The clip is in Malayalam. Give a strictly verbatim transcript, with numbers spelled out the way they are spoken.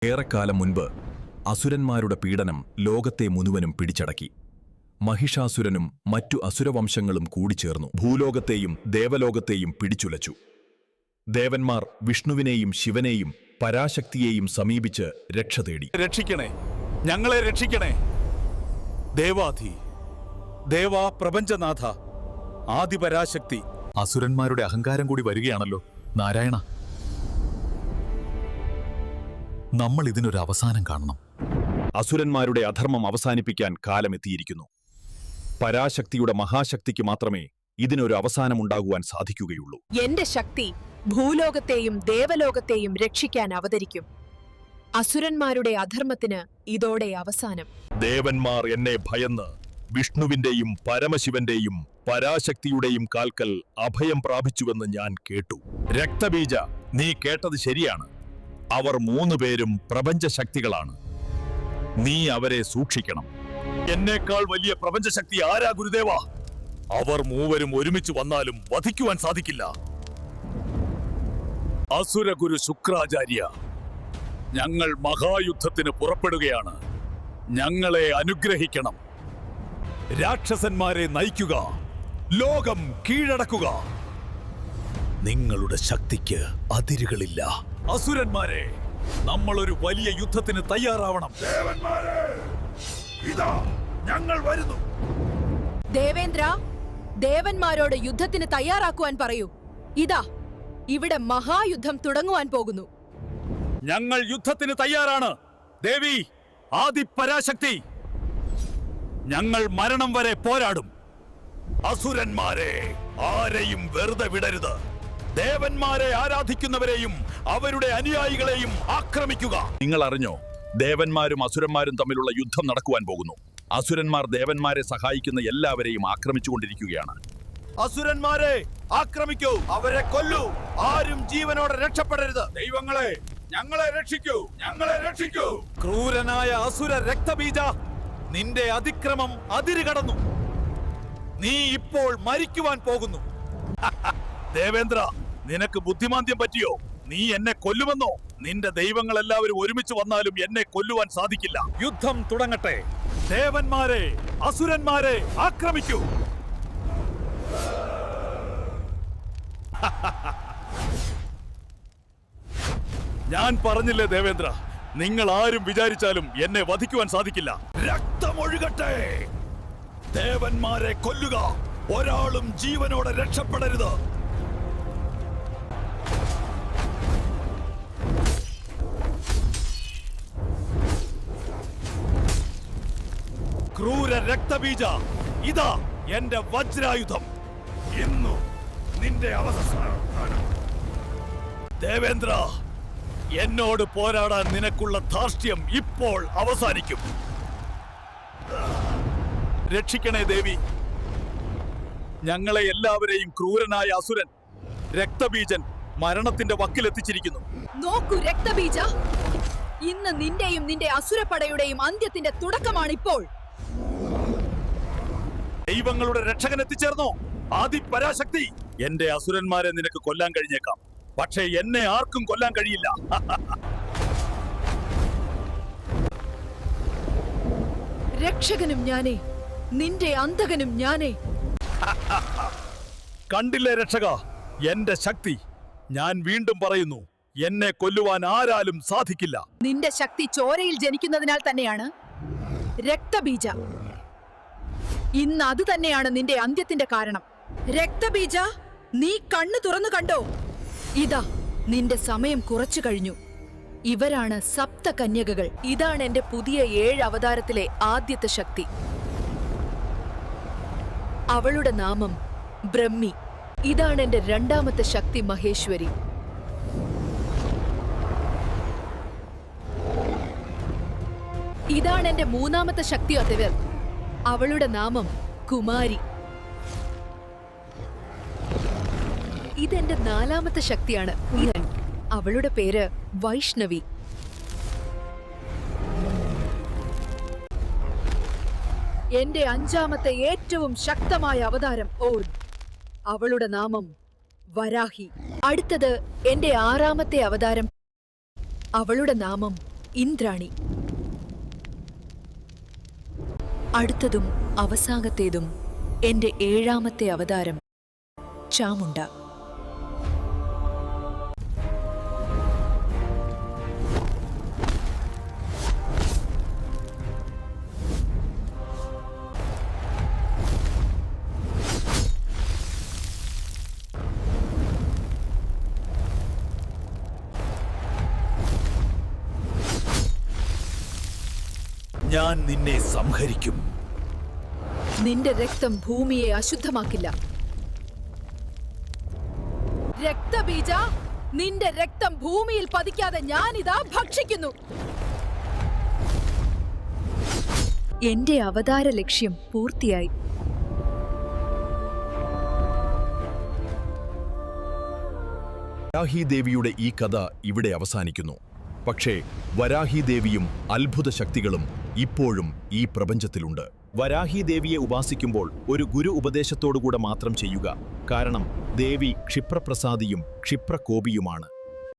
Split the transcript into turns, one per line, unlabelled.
ഏറെക്കാലം മുൻപ് അസുരന്മാരുടെ പീഡനം ലോകത്തെ മുഴുവനും പിടിച്ചടക്കി. മഹിഷാസുരനും മറ്റു അസുരവംശങ്ങളും കൂടിച്ചേർന്നു ഭൂലോകത്തെയും ദേവലോകത്തെയും പിടിച്ചുലച്ചു. ദേവന്മാർ വിഷ്ണുവിനെയും ശിവനെയും പരാശക്തിയെയും സമീപിച്ച് രക്ഷ തേടി.
രക്ഷിക്കണേ, ഞങ്ങളെ രക്ഷിക്കണേ. ദേവാധി, ദേവാ പ്രപഞ്ചനാഥ, ആദിപരാശക്തി.
അസുരന്മാരുടെ അഹങ്കാരം കൂടി വരികയാണല്ലോ നാരായണ. നമ്മൾ ഇതിനൊരു അവസാനം കാണണം. അസുരന്മാരുടെ അധർമ്മം അവസാനിപ്പിക്കാൻ കാലമെത്തിയിരിക്കുന്നു. പരാശക്തിയുടെ മഹാശക്തിക്ക് മാത്രമേ ഇതിനൊരു അവസാനമുണ്ടാകുവാൻ സാധിക്കുകയുള്ളൂ.
എന്റെ ശക്തി ഭൂലോകത്തെയും ദേവലോകത്തെയും രക്ഷിക്കാൻ അവതരിക്കും. അസുരന്മാരുടെ അധർമ്മത്തിന് ഇതോടെ അവസാനം.
ദേവന്മാർ എന്നെ ഭയന്ന് വിഷ്ണുവിന്റെയും പരമശിവന്റെയും പരാശക്തിയുടെയും കാൽക്കൽ അഭയം പ്രാപിച്ചുവെന്ന് ഞാൻ കേട്ടു. രക്തബീജ, നീ കേട്ടത് ശരിയാണ്. അവർ മൂന്നു പേരും പ്രപഞ്ചശക്തികളാണ്. നീ അവരെ സൂക്ഷിക്കണം. എന്നേക്കാൾ വലിയ പ്രപഞ്ചശക്തി ആരാ ഗുരുദേവ? അവർ മൂവരും ഒരുമിച്ച് വന്നാലും വധിക്കുവാൻ സാധിക്കില്ല.
അസുരഗുരു ശുക്രാചാര്യ, ഞങ്ങൾ മഹായുദ്ധത്തിന് പുറപ്പെടുകയാണ്. ഞങ്ങളെ അനുഗ്രഹിക്കണം. രാക്ഷസന്മാരെ നയിക്കുക, ലോകം കീഴടക്കുക. നിങ്ങളുടെ ശക്തിക്ക് അതിരുകളില്ല. അസുരന്മാരെ, നമ്മളൊരു വലിയ യുദ്ധത്തിന് തയ്യാറാവണം. ഇതാ ഞങ്ങൾ വരുന്നു.
ദേവേന്ദ്ര, ദേവന്മാരോട് യുദ്ധത്തിന് തയ്യാറാക്കുവാൻ പറയൂ. ഇതാ ഇവിടെ മഹായുദ്ധം തുടങ്ങുവാൻ പോകുന്നു.
ഞങ്ങൾ യുദ്ധത്തിന് തയ്യാറാണ് ദേവി ആദിപരാശക്തി. ഞങ്ങൾ മരണം വരെ പോരാടും. അസുരന്മാരെ ആരെയും വെറുതെ വിടരുത്. ദേവന്മാരെ ആരാധിക്കുന്നവരെയും അവരുടെ അനുയായികളെയും ആക്രമിക്കുക.
നിങ്ങൾ അറിഞ്ഞോ, ദേവന്മാരും അസുരന്മാരും തമ്മിലുള്ള യുദ്ധം നടക്കുവാൻ പോകുന്നു. അസുരന്മാർ ദേവന്മാരെ സഹായിക്കുന്ന എല്ലാവരെയും ആക്രമിച്ചുകൊണ്ടിരിക്കുകയാണ്.
അസുരന്മാരെ ആക്രമിക്കൂ, അവരെ കൊല്ലൂ. ആരും ജീവനോടെ രക്ഷപ്പെടരുത്. ദൈവങ്ങളെ, ഞങ്ങളെ രക്ഷിക്കൂ, ഞങ്ങളെ രക്ഷിക്കൂ. ക്രൂരനായ അസുര രക്തബീജ, നിന്റെ അതിക്രമം അതിര് കടന്നു. നീ ഇപ്പോൾ മരിക്കുവാൻ പോകുന്നു. ദേവേന്ദ്ര, നിനക്ക് ബുദ്ധിമാന്ദ്യം പറ്റിയോ? നീ എന്നെ കൊല്ലുമെന്നോ? നിന്റെ ദൈവങ്ങൾ എല്ലാവരും ഒരുമിച്ച് വന്നാലും എന്നെ കൊല്ലുവാൻ സാധിക്കില്ല. യുദ്ധം തുടങ്ങട്ടെ. ദേവന്മാരെ, അസുരന്മാരെ ആക്രമിക്കൂ. ഞാൻ പറഞ്ഞില്ലേ ദേവേന്ദ്ര, നിങ്ങൾ ആരും വിചാരിച്ചാലും എന്നെ വധിക്കുവാൻ സാധിക്കില്ല. രക്തമൊഴുകട്ടെ. ദേവന്മാരെ കൊല്ലുക. ഒരാളും ജീവനോടെ രക്ഷപ്പെടരുത്. ക്രൂര രക്തബീജ, ഇതാ എന്റെ വജ്രായുധം. ഇന്നു നിന്റെ അവസാനം. ദേവേന്ദ്ര, എന്നോട് പോരാടാൻ നിനക്കുള്ള ധാർഷ്ട്യം ഇപ്പോൾ അവസാനിക്കും. രക്ഷിക്കണേ ദേവി. ഞങ്ങളെ എല്ലാവരെയും ക്രൂരനായ അസുരൻ രക്തബീജൻ മരണത്തിന്റെ വക്കിലെത്തിച്ചിരിക്കുന്നു.
നോക്കൂ രക്തബീജ, ഇന്ന് നിന്റെയും നിന്റെ അസുരപ്പടയുടെയും അന്ത്യത്തിന്റെ തുടക്കമാണിപ്പോൾ.
ദൈവങ്ങളുടെ രക്ഷകൻ എത്തിച്ചേർന്നോ? ആദിപരാശക്തി, എന്റെ അസുരന്മാരെ നിനക്ക് കൊല്ലാൻ കഴിഞ്ഞേക്കാം, പക്ഷേ എന്നെ ആർക്കും കൊല്ലാൻ കഴിയില്ല.
രക്ഷകനും ഞാനേ, നിന്റെ അന്തകനും ഞാനേ.
കണ്ടില്ലേ രക്ഷക, എന്റെ ശക്തി. ഞാൻ വീണ്ടും പറയുന്നു, എന്നെ കൊല്ലുവാൻ ആരാലും സാധിക്കില്ല.
നിന്റെ ശക്തി ചോരയിൽ ജനിക്കുന്നതിനാൽ തന്നെയാണ് രക്തബീജ. ഇന്ന് അത് തന്നെയാണ് നിന്റെ അന്ത്യത്തിന്റെ കാരണം. രക്തബീജ, നീ കണ്ണു തുറന്നു കണ്ടോ? ഇതാ നിന്റെ സമയം കുറച്ചു കഴിഞ്ഞു. ഇവരാണ് സപ്തകന്യകകൾ. ഇതാണ് എന്റെ പുതിയ ഏഴ് അവതാരത്തിലെ ആദ്യത്തെ ശക്തി. അവളുടെ നാമം ബ്രഹ്മി. ഇതാണ് എന്റെ രണ്ടാമത്തെ ശക്തി മഹേശ്വരി. ഇതാണ് എന്റെ മൂന്നാമത്തെ ശക്തി അതിവർ. അവളുടെ നാമം കുമാരി. ഇതെന്റെ നാലാമത്തെ ശക്തിയാണ്. അവളുടെ പേര് വൈഷ്ണവി. എന്റെ അഞ്ചാമത്തെ ഏറ്റവും ശക്തമായ അവതാരം ഓർ. അവളുടെ നാമം വരാഹി. അടുത്തത് എന്റെ ആറാമത്തെ അവതാരം. അവളുടെ നാമം ഇന്ദ്രാണി. അടുത്തതും അവസാനത്തേതും എന്റെ ഏഴാമത്തെ അവതാരം ചാമുണ്ട.
ഞാൻ നിന്നെ സംഹരിക്കും.
നിന്റെ രക്തം ഭൂമിയെ അശുദ്ധമാക്കില്ല. രക്തബീജ, നിന്റെ രക്തം ഭൂമിയിൽ പതിക്കാതെ ഞാനിതാ ഭക്ഷിക്കുന്നു. എന്റെ അവതാര ലക്ഷ്യം പൂർത്തിയായി.
വരാഹിദേവിയുടെ ഈ കഥ ഇവിടെ അവസാനിക്കുന്നു. പക്ഷേ വരാഹിദേവിയും അത്ഭുത ശക്തികളും ഇപ്പോഴും ഈ പ്രപഞ്ചത്തിലുണ്ട്. വരാഹിദേവിയെ ഉപാസിക്കുമ്പോൾ ഒരു ഗുരു ഉപദേശത്തോടുകൂടെ മാത്രം ചെയ്യുക. കാരണം ദേവി ക്ഷിപ്രപ്രസാദിയും ക്ഷിപ്രകോപിയുമാണ്.